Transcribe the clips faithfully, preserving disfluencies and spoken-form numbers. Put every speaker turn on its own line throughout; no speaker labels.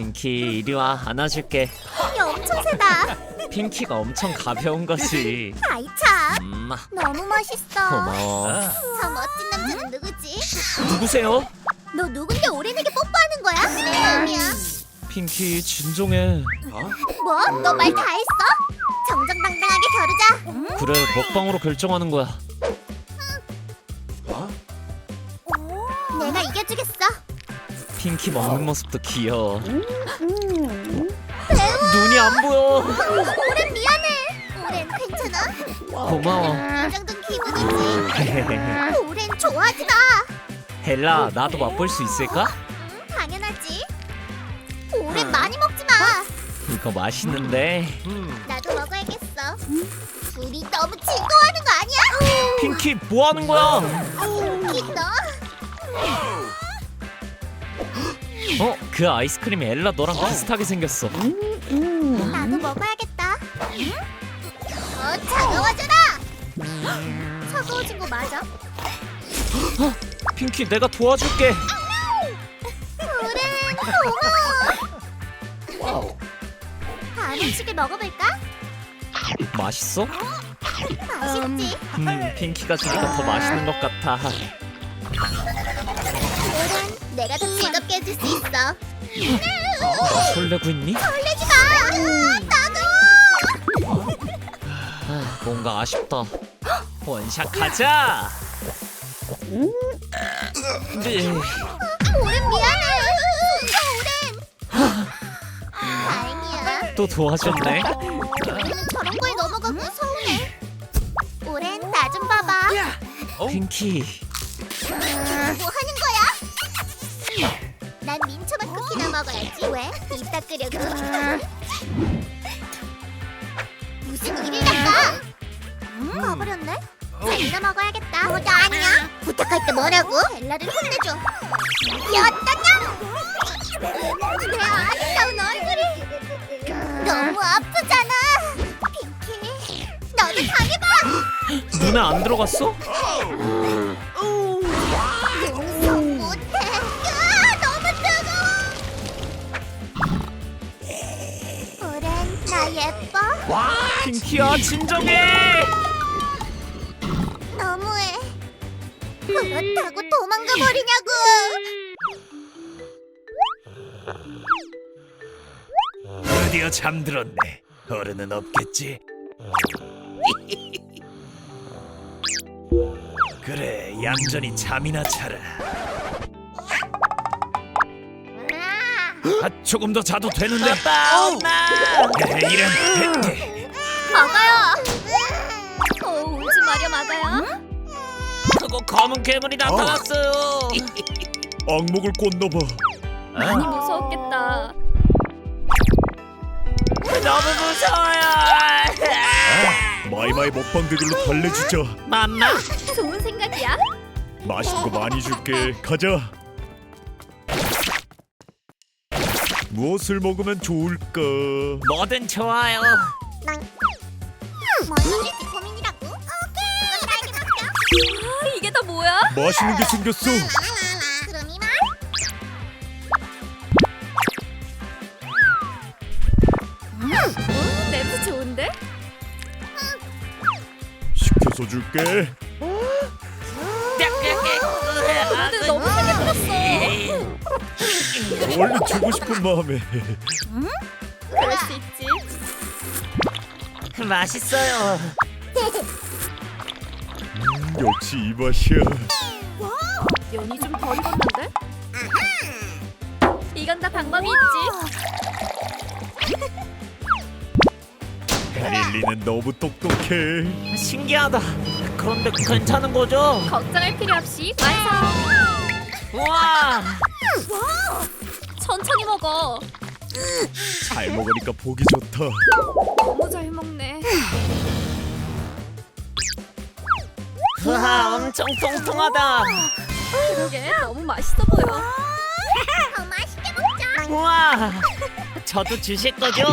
핑키 이리 와, 안아줄게.
힘이 엄청 세다.
핑키가 엄청 가벼운 거지.
아이 참,
음,
너무 멋있어.
고마워.
저 멋진 남자는 누구지?
누구세요?
너 누군데 오렌에게 뽀뽀하는 거야? 아니야.
핑키 진정해.
뭐? 너 말 다 했어? 정정당당하게 겨루자.
그래, 먹방으로 결정하는 거야.
내가 이겨주겠어.
핑키 먹는 모습도 귀여워. 눈이 안 보여.
오렌 미안해. 오렌 괜찮아?
고마워.
이 정도는 기분이지. 오렌 좋아하지 마.
헬라, 나도 맛볼 수 있을까?
응, 당연하지. 오렌 많이 먹지 마.
이거 맛있는데.
나도 먹어야겠어. 둘이 너무 즐거워하는 거 아니야?
핑키 뭐 하는 거야?
핑키 너.
어? 그 아이스크림이 엘라 너랑 비슷하게 생겼어.
나도 먹어야겠다. 어, 차가워져라. 차가워진 거 맞아?
핑키, 내가 도와줄게.
오렌 고마워. 다음 음식을 먹어볼까?
맛있어?
맛있지?
음, 핑키가 주니까 더 맛있는 것 같아.
오렌 내가 더 즐겁게 해줄 수 있어.
나 설레고 있니?
설레지 마. 나도.
아, 뭔가 아쉽다. 원샷 가자. 네.
오렌 미안해. 오렌. 다행이야.
또 도와줬네.
우리는 저런 거에 넘어가고 서운해. 오렌 나 좀 봐봐.
핑키,
뭐 하는 거야? 난 민초맛 쿠키나 먹어야지. 왜? 입 닦으려고. 무슨 일을 닦아? 음, 가버렸네. 벨라 먹어야겠다. 뭐, 나 아니야. 부탁할 때 뭐라고? 벨라를 혼내줘. 어떠냐? 내 아름다운 얼굴이 너무 아프잖아. 핑키, 너도 당해봐.
눈에 안 들어갔어?
용서 못해. 으아, 너무 뜨거워. 오렌, 나 예뻐?
핑키야, 진정해.
너무해. 그렇다고 도망가 버리냐고.
드디어 잠들었네. 어른은 없겠지. 그래, 얌전히 잠이나 자라. 아, 조금 더 자도 되는데.
아빠, 엄마.
에, 이런.
막아요. 어, 울지 마려 막아요.
그거 검은 괴물이 나타났어요.
악목을 꽂나봐.
많이 무서웠겠다.
너무 무서워요.
마이마이 먹방 대결로 달래주자.
맘마.
좋은 생각이야.
맛있는 거 많이 줄게. 가자. 무엇을 먹으면 좋을까?
뭐든 좋아요.
뭘 먹을지 고민이라고. 오케이. 그건 나에게 맡겨.
아, 이게 다 뭐야?
맛있는 게 생겼어.
그럼 이만.
음, 냄새 좋은데?
시켜서 줄게.
근데 너무 세게 끓었어.
원래 주고 싶은 마음에.
그럴 수 있지.
맛있어요.
역시 이 맛이야.
면이 좀 덜 익었는데? 이건 다 방법이 있지.
릴리는 너무 똑똑해.
신기하다. 그런데 괜찮은 거죠?
걱정할 필요 없이 완성.
우와.
천천히 먹어.
잘 먹으니까 보기 좋다.
너무 잘 먹네.
우와, 엄청 통통하다.
그러게 너무 맛있어 보여.
더 맛있게 먹자.
우와. 저도 주실 거죠?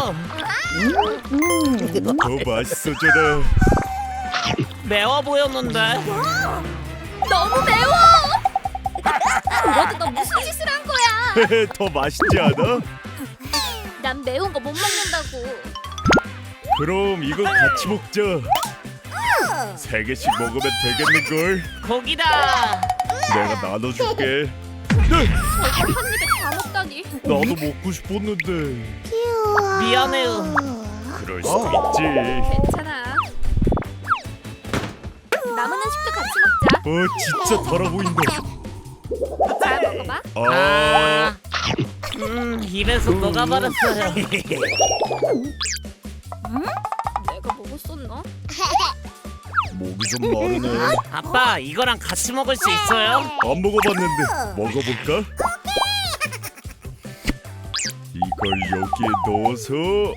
더 맛있어져라.
매워 보였는데.
너무 매워. 그래도 너 무슨 짓을 한 거야?
더 맛있지 않아?
난 매운 거 못 먹는다고.
그럼 이거 같이 먹자. 세 개씩 먹으면 되겠는걸?
고기다.
내가 나눠줄게.
저걸 한 입에 다 먹다니.
나도 먹고 싶었는데.
귀여워.
미안해요.
그럴 수도 있지.
괜찮아. 남은 음식도 같이 먹자.
어 진짜 달아 보인다.
자, 먹어봐.
아,
음, 입에서 녹아버렸어요.
내가 먹었었나?
목이 좀 마르네.
아빠, 이거랑 같이 먹을 수 있어요?
안 먹어봤는데 먹어볼까? 이걸 여기에 넣어서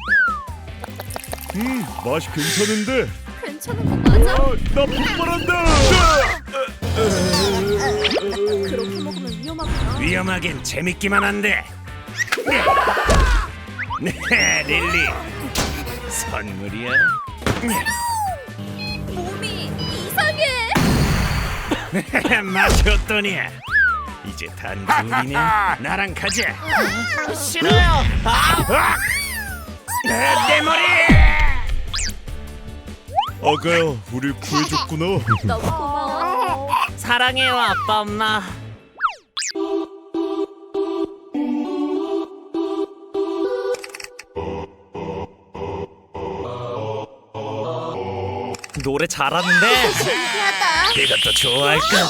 음 맛이 괜찮은데.
괜찮은 거 맞아?
아, 나 폭발한다.
그렇게 먹으면 위험하구나.
위험하긴 재밌기만 한데. 네, 릴리. 선물이야.
몸이 이상해.
맛이 어떠니? 이제 단둘이네. 나랑 가자.
싫어요.
아! 내, 내 머리!
아가야, 우리 구해줬구나.
너무 고마워.
사랑해요, 아빠, 엄마. 노래 잘하는데.
신기하다.
이것도 좋아할까?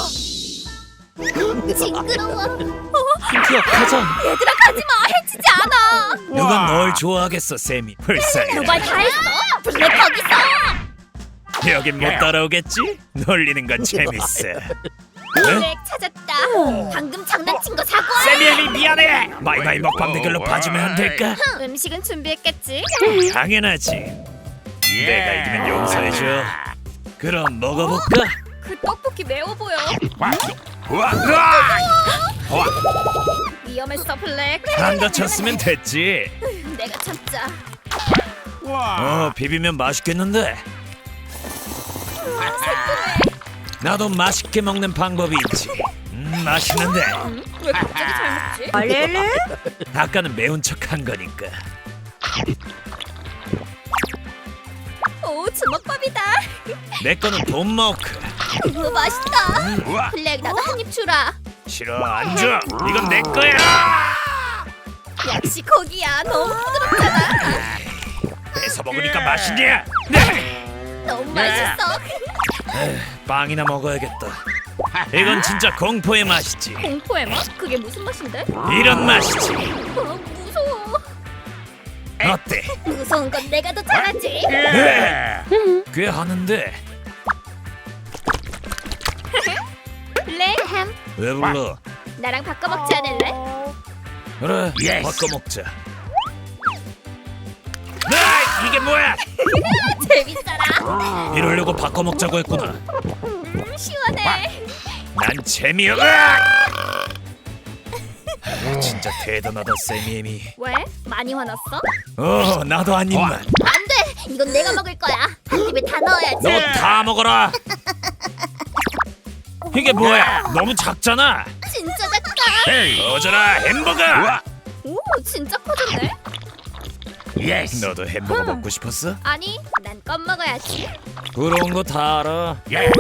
징그러워.
기억하자.
얘들아 가지 마. 해치지 않아.
누가 널 좋아하겠어, 쌤이. 불쌍해.
말 다 했어. 블랙 거기서.
여긴 못 따라오겠지? 놀리는 건 재밌어.
블랙 찾았다. 방금 장난친 거 사과해.
세미엘이 미안해. 마이마이 먹방 대결로 봐주면 안 될까?
음식은 준비했겠지?
당연하지. 내가 이기면 용서해줘. 그럼 먹어볼까?
그 떡볶이 매워 보여.
우와!
위험했어 블랙.
안 다쳤으면 됐지.
내가 참자.
어, 비비면 맛있겠는데. 나도 맛있게 먹는 방법이 있지. 음, 맛있는데.
응? 왜 갑자기 잘 먹지?
아까는 매운 척한 거니까.
오 주먹밥이다.
내 거는 돈마크.
이거 맛있다.
우와!
블랙 나도 한 입 주라.
싫어, 안 줘. 이건 내 거야.
역시 고기야. 너무 부드럽잖아.
뺏어 먹으니까 맛있냐? 네.
너무 맛있어.
빵이나 먹어야겠다. 이건 진짜 공포의 맛이지.
공포의 맛? 그게 무슨 맛인데?
이런 맛이지.
어, 무서워.
어때?
무서운 건 내가 더 잘하지.
네. 꽤 하는데.
블랙 햄.
왜 불러?
나랑 바꿔 먹지 않을래?
그래, 바꿔 먹자. 아, 이게 뭐야?
재밌더라.
이러려고 바꿔 먹자고 했구나.
음, 시원해.
난 재미없. 진짜 대단하다, 세미엠이.
왜? 많이 화났어?
어, 나도 한 입만.
안 돼. 이건 내가 먹을 거야. 한 입에 다 넣어야지.
너 다 먹어라. 이게 뭐야? 너무 작잖아.
진짜 작다.
어져라 햄버거.
오 진짜 커졌네.
예스. 너도 햄버거 먹고 싶었어?
아니 난 껌 먹어야지.
부러운 거 다 알아.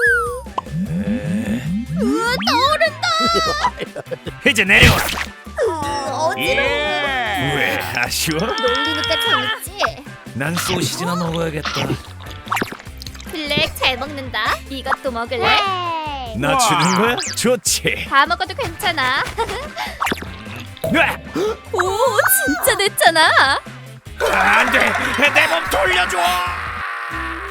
우와, 떠오른다.
이제 내려.
어지러워.
왜 아쉬워?
놀리니까 재밌지.
난 소시지나 먹어야겠다.
블랙 잘 먹는다. 이것도 먹을래?
네.
나 주는 거야? 좋지.
다 먹어도 괜찮아.
으아!
오 진짜 냈잖아.
안돼, 내 몸 돌려줘.